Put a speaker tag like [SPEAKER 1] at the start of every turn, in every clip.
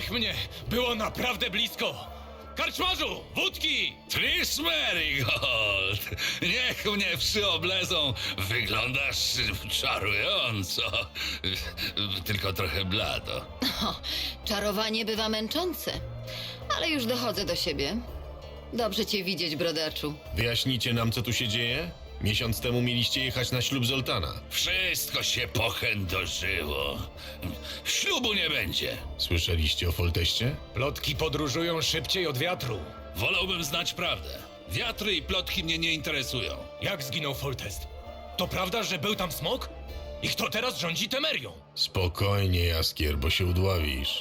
[SPEAKER 1] Niech mnie! Było naprawdę blisko! Karczmarzu! Wódki!
[SPEAKER 2] Trish Merigold! Niech mnie przyoblezą! Wyglądasz czarująco. Tylko trochę blado.
[SPEAKER 3] Czarowanie bywa męczące, ale już dochodzę do siebie. Dobrze cię widzieć, brodaczu.
[SPEAKER 4] Wyjaśnicie nam, co tu się dzieje? Miesiąc temu mieliście jechać na ślub Zoltana.
[SPEAKER 2] Wszystko się pochędożyło. Ślubu nie będzie.
[SPEAKER 4] Słyszeliście o Folteście?
[SPEAKER 1] Plotki podróżują szybciej od wiatru.
[SPEAKER 2] Wolałbym znać prawdę. Wiatry i plotki mnie nie interesują.
[SPEAKER 1] Jak zginął Foltest? To prawda, że był tam smok? I kto teraz rządzi Temerią?
[SPEAKER 4] Spokojnie, Jaskier, bo się udławisz.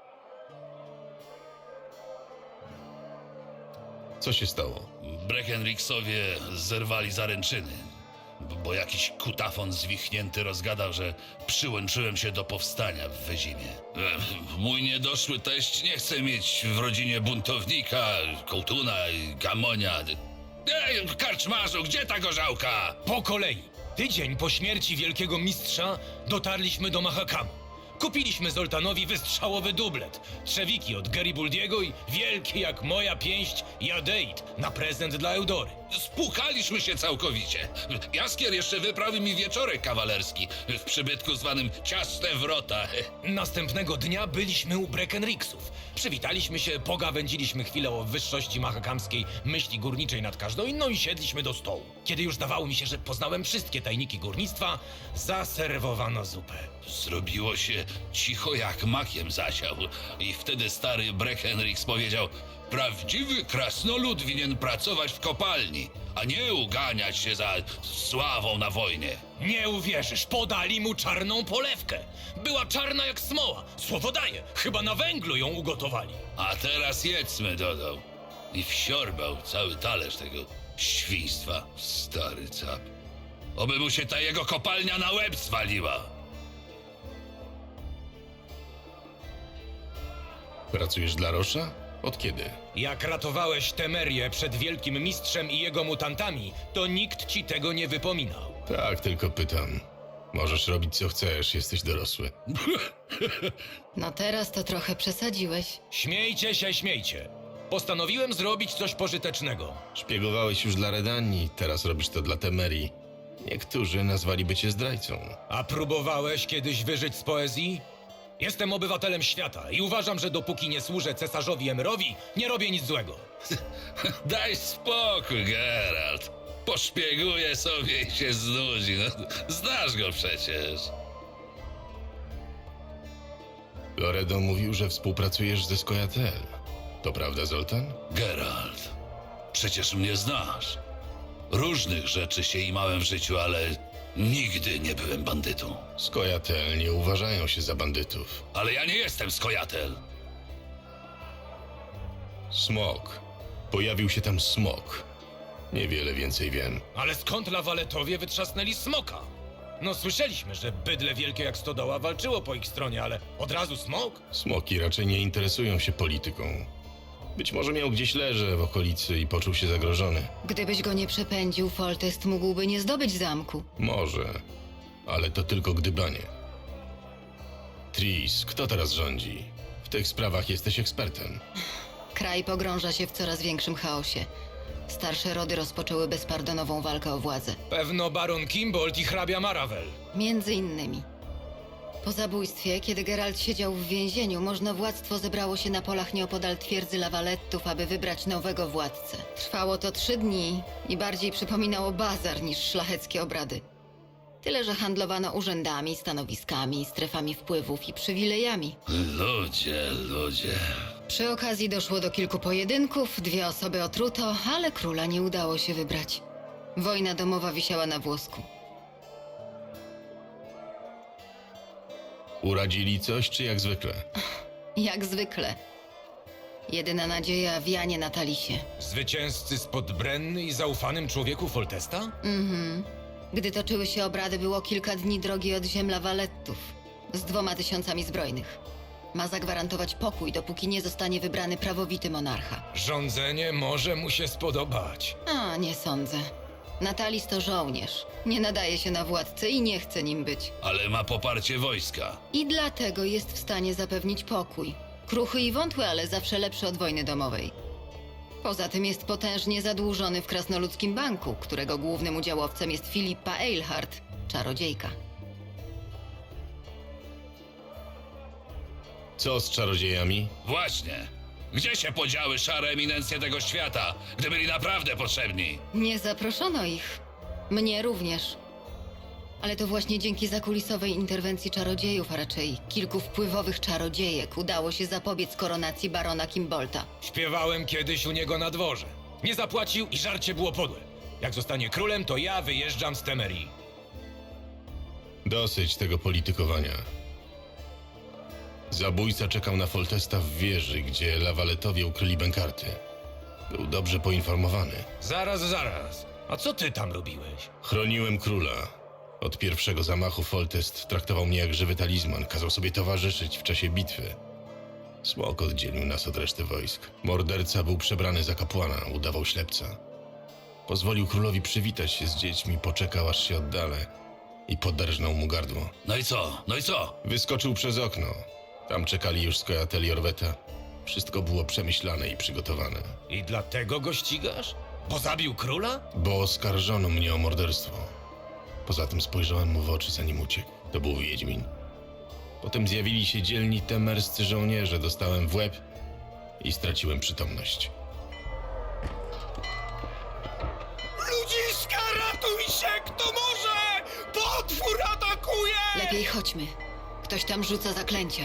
[SPEAKER 4] Co się stało?
[SPEAKER 2] Breckenrixowie zerwali zaręczyny, bo jakiś kutafon zwichnięty rozgadał, że przyłączyłem się do powstania w Wyzimie. Mój niedoszły teść nie chce mieć w rodzinie buntownika, kołtuna, gamonia. Ej, karczmarzu, gdzie ta gorzałka?
[SPEAKER 1] Po kolei. Tydzień po śmierci wielkiego mistrza dotarliśmy do Mahakamu. Kupiliśmy Zoltanowi wystrzałowy dublet, trzewiki od Garibaldiego i wielki jak moja pięść jadeit na prezent dla Eudory.
[SPEAKER 2] Spłukaliśmy się całkowicie. Jaskier jeszcze wyprawił mi wieczorek kawalerski w przybytku zwanym Ciasne Wrota.
[SPEAKER 1] Następnego dnia byliśmy u Breckenrixów. Przywitaliśmy się, pogawędziliśmy chwilę o wyższości mahakamskiej myśli górniczej nad każdą inną i siedliśmy do stołu. Kiedy już zdawało mi się, że poznałem wszystkie tajniki górnictwa, zaserwowano zupę.
[SPEAKER 2] Zrobiło się cicho jak makiem zasiał i wtedy stary Breckenrix powiedział: prawdziwy krasnolud winien pracować w kopalni, a nie uganiać się za sławą na wojnie.
[SPEAKER 1] Nie uwierzysz, podali mu czarną polewkę. Była czarna jak smoła. Słowo daję, chyba na węglu ją ugotowali.
[SPEAKER 2] A teraz jedzmy, dodał. I wsiorbał cały talerz tego świństwa, stary cap. Oby mu się ta jego kopalnia na łeb zwaliła.
[SPEAKER 4] Pracujesz dla Rosza? Od kiedy?
[SPEAKER 1] Jak ratowałeś Temerię przed wielkim mistrzem i jego mutantami, to nikt ci tego nie wypominał.
[SPEAKER 4] Tak, tylko pytam. Możesz robić co chcesz, jesteś dorosły.
[SPEAKER 3] No teraz to trochę przesadziłeś.
[SPEAKER 1] Śmiejcie się, śmiejcie. Postanowiłem zrobić coś pożytecznego.
[SPEAKER 4] Szpiegowałeś już dla Redanii, teraz robisz to dla Temerii. Niektórzy nazwaliby cię zdrajcą.
[SPEAKER 1] A próbowałeś kiedyś wyżyć z poezji? Jestem obywatelem świata i uważam, że dopóki nie służę cesarzowi Emerowi, nie robię nic złego.
[SPEAKER 2] Daj spokój, Geralt. Poszpieguje sobie i się znudzi. No, znasz go przecież.
[SPEAKER 4] Loredo mówił, że współpracujesz ze Skojatel. To prawda, Zoltan?
[SPEAKER 2] Geralt, przecież mnie znasz. Różnych rzeczy się imałem w życiu, ale nigdy nie byłem bandytą.
[SPEAKER 4] Skojatel nie uważają się za bandytów.
[SPEAKER 2] Ale ja nie jestem skojatel.
[SPEAKER 4] Smok. Pojawił się tam smok. Niewiele więcej wiem.
[SPEAKER 1] Ale skąd lawaletowie wytrzasnęli smoka? No słyszeliśmy, że bydle wielkie jak stodoła walczyło po ich stronie, ale od razu smok?
[SPEAKER 4] Smoki raczej nie interesują się polityką. Być może miał gdzieś leże w okolicy i poczuł się zagrożony.
[SPEAKER 3] Gdybyś go nie przepędził, Foltest mógłby nie zdobyć zamku.
[SPEAKER 4] Może, ale to tylko gdybanie. Tris, kto teraz rządzi? W tych sprawach jesteś ekspertem.
[SPEAKER 3] Kraj pogrąża się w coraz większym chaosie. Starsze rody rozpoczęły bezpardonową walkę o władzę.
[SPEAKER 1] Pewno baron Kimbold i hrabia Maravel.
[SPEAKER 3] Między innymi. Po zabójstwie, kiedy Geralt siedział w więzieniu, możnowładztwo zebrało się na polach nieopodal twierdzy Lawalettów, aby wybrać nowego władcę. Trwało to 3 dni i bardziej przypominało bazar niż szlacheckie obrady. Tyle, że handlowano urzędami, stanowiskami, strefami wpływów i przywilejami.
[SPEAKER 2] Ludzie.
[SPEAKER 3] Przy okazji doszło do kilku pojedynków, 2 osoby otruto, ale króla nie udało się wybrać. Wojna domowa wisiała na włosku.
[SPEAKER 4] Uradzili coś, czy jak zwykle?
[SPEAKER 3] Jak zwykle. Jedyna nadzieja w Janie Natalisie.
[SPEAKER 1] Zwycięzcy spod Brenny i zaufanym człowieku Foltesta?
[SPEAKER 3] Gdy toczyły się obrady, było kilka dni drogi od ziem Lawalettów z 2000 zbrojnych. Ma zagwarantować pokój, dopóki nie zostanie wybrany prawowity monarcha.
[SPEAKER 1] Rządzenie może mu się spodobać.
[SPEAKER 3] A, nie sądzę. Natalis to żołnierz. Nie nadaje się na władcę i nie chce nim być.
[SPEAKER 2] Ale ma poparcie wojska.
[SPEAKER 3] I dlatego jest w stanie zapewnić pokój. Kruchy i wątły, ale zawsze lepszy od wojny domowej. Poza tym jest potężnie zadłużony w Krasnoludzkim Banku, którego głównym udziałowcem jest Filipa Eilhart, czarodziejka.
[SPEAKER 4] Co z czarodziejami?
[SPEAKER 2] Właśnie. Gdzie się podziały szare eminencje tego świata, gdy byli naprawdę potrzebni?
[SPEAKER 3] Nie zaproszono ich. Mnie również. Ale to właśnie dzięki zakulisowej interwencji czarodziejów, a raczej kilku wpływowych czarodziejek, udało się zapobiec koronacji barona Kimbolta.
[SPEAKER 1] Śpiewałem kiedyś u niego na dworze. Nie zapłacił i żarcie było podłe. Jak zostanie królem, to ja wyjeżdżam z Temerii.
[SPEAKER 4] Dosyć tego politykowania. Zabójca czekał na Foltesta w wieży, gdzie lawaletowie ukryli bękarty. Był dobrze poinformowany.
[SPEAKER 1] Zaraz. A co ty tam robiłeś?
[SPEAKER 4] Chroniłem króla. Od pierwszego zamachu Foltest traktował mnie jak żywy talizman, kazał sobie towarzyszyć w czasie bitwy. Smok oddzielił nas od reszty wojsk. Morderca był przebrany za kapłana, udawał ślepca. Pozwolił królowi przywitać się z dziećmi, poczekał aż się oddalę i poderżnął mu gardło.
[SPEAKER 2] No i co? No i co?
[SPEAKER 4] Wyskoczył przez okno. Tam czekali już skojateli Orweta. Wszystko było przemyślane i przygotowane.
[SPEAKER 1] I dlatego go ścigasz? Bo zabił króla?
[SPEAKER 4] Bo oskarżono mnie o morderstwo. Poza tym spojrzałem mu w oczy, zanim uciekł. To był Wiedźmin. Potem zjawili się dzielni temerscy żołnierze, dostałem w łeb i straciłem przytomność.
[SPEAKER 1] Ludziska, ratuj się, kto może! Potwór atakuje!
[SPEAKER 3] Lepiej chodźmy. Ktoś tam rzuca zaklęcia.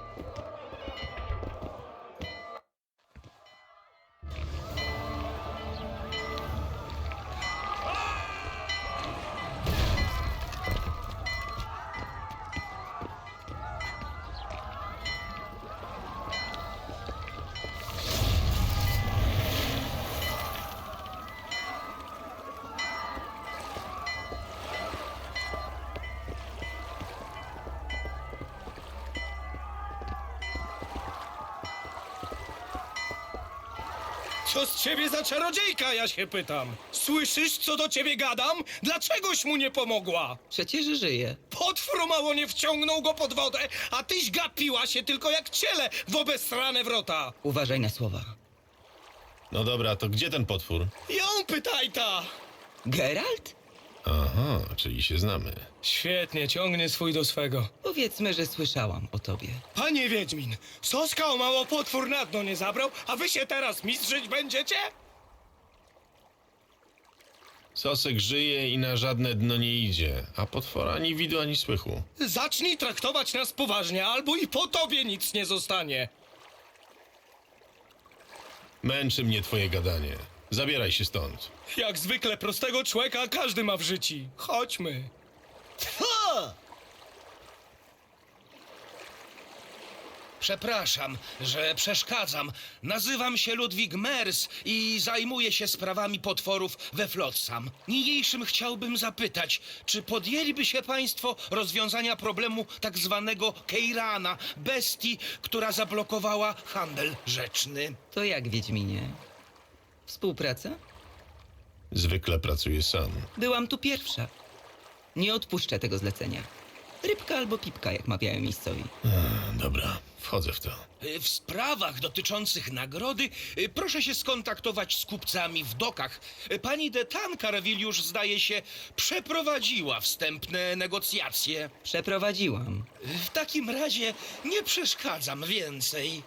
[SPEAKER 5] Co z ciebie za czarodziejka, ja się pytam? Słyszysz, co do ciebie gadam? Dlaczegoś mu nie pomogła?
[SPEAKER 6] Przecież żyje.
[SPEAKER 5] Potwór mało nie wciągnął go pod wodę, a tyś gapiła się tylko jak ciele w obesrane wrota.
[SPEAKER 6] Uważaj na słowa.
[SPEAKER 4] No dobra, to gdzie ten potwór?
[SPEAKER 5] Ją pytaj ta!
[SPEAKER 6] Geralt?
[SPEAKER 4] Aha, czyli się znamy.
[SPEAKER 5] Świetnie, ciągnie swój do swego.
[SPEAKER 6] Powiedzmy, że słyszałam o tobie.
[SPEAKER 5] Panie Wiedźmin, Soska o mało potwór na dno nie zabrał, a wy się teraz mistrzyć będziecie?
[SPEAKER 4] Sosek żyje i na żadne dno nie idzie, a potwora ani widu, ani słychu.
[SPEAKER 5] Zacznij traktować nas poważnie, albo i po tobie nic nie zostanie.
[SPEAKER 4] Męczy mnie twoje gadanie. Zabieraj się stąd.
[SPEAKER 5] Jak zwykle prostego człowieka każdy ma w życiu. Chodźmy.
[SPEAKER 7] Przepraszam, że przeszkadzam. Nazywam się Ludwig Mers i zajmuję się sprawami potworów we Flotsam. Niniejszym chciałbym zapytać, czy podjęliby się państwo rozwiązania problemu tak zwanego Keirana, bestii, która zablokowała handel rzeczny?
[SPEAKER 6] To jak, Wiedźminie? Współpraca?
[SPEAKER 4] Zwykle pracuję sam.
[SPEAKER 6] Byłam tu pierwsza. Nie odpuszczę tego zlecenia. Rybka albo pipka, jak mawiają miejscowi.
[SPEAKER 4] Dobra, wchodzę w to.
[SPEAKER 7] W sprawach dotyczących nagrody proszę się skontaktować z kupcami w dokach. Pani de Tancarville już, zdaje się, przeprowadziła wstępne negocjacje.
[SPEAKER 6] Przeprowadziłam.
[SPEAKER 7] W takim razie nie przeszkadzam więcej.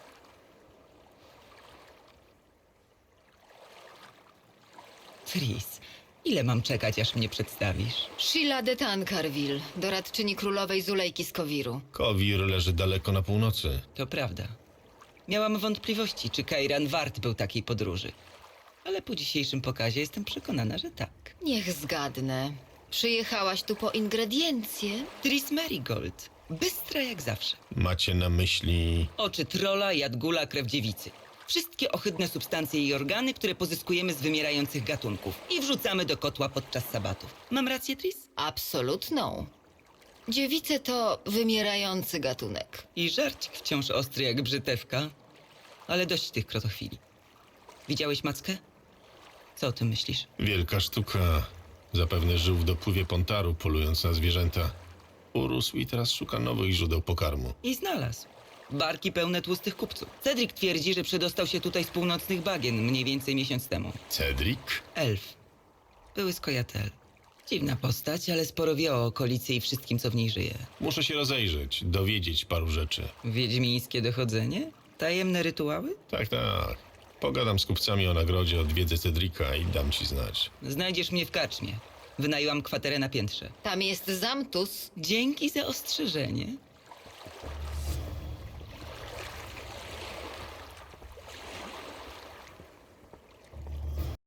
[SPEAKER 6] Tris, ile mam czekać, aż mnie przedstawisz?
[SPEAKER 3] Sheila de Tancarville, doradczyni królowej Zulejki z Kowiru.
[SPEAKER 4] Kowir leży daleko na północy.
[SPEAKER 6] To prawda. Miałam wątpliwości, czy Kairan wart był takiej podróży. Ale po dzisiejszym pokazie jestem przekonana, że tak.
[SPEAKER 3] Niech zgadnę. Przyjechałaś tu po ingrediencje?
[SPEAKER 6] Tris Merigold. Bystra jak zawsze.
[SPEAKER 4] Macie na myśli...
[SPEAKER 6] Oczy trola, jadgula, krew dziewicy. Wszystkie ohydne substancje i organy, które pozyskujemy z wymierających gatunków i wrzucamy do kotła podczas sabatów. Mam rację, Tris?
[SPEAKER 3] Absolutną. Dziewice to wymierający gatunek.
[SPEAKER 6] I żarcik wciąż ostry jak brzytewka. Ale dość tych krotochwili. Widziałeś mackę? Co o tym myślisz?
[SPEAKER 4] Wielka sztuka. Zapewne żył w dopływie Pontaru, polując na zwierzęta. Urósł i teraz szuka nowych źródeł pokarmu.
[SPEAKER 6] I znalazł. Barki pełne tłustych kupców. Cedric twierdzi, że przedostał się tutaj z północnych bagien mniej więcej miesiąc temu.
[SPEAKER 4] Cedric?
[SPEAKER 6] Elf. Były skojatel. Dziwna postać, ale sporo wie o okolicy i wszystkim, co w niej żyje.
[SPEAKER 4] Muszę się rozejrzeć, dowiedzieć paru rzeczy.
[SPEAKER 6] Wiedźmińskie dochodzenie? Tajemne rytuały?
[SPEAKER 4] Tak, tak. Pogadam z kupcami o nagrodzie, odwiedzę Cedrika i dam ci znać.
[SPEAKER 6] Znajdziesz mnie w karczmie. Wynajęłam kwaterę na piętrze.
[SPEAKER 3] Tam jest Zamtus.
[SPEAKER 6] Dzięki za ostrzeżenie.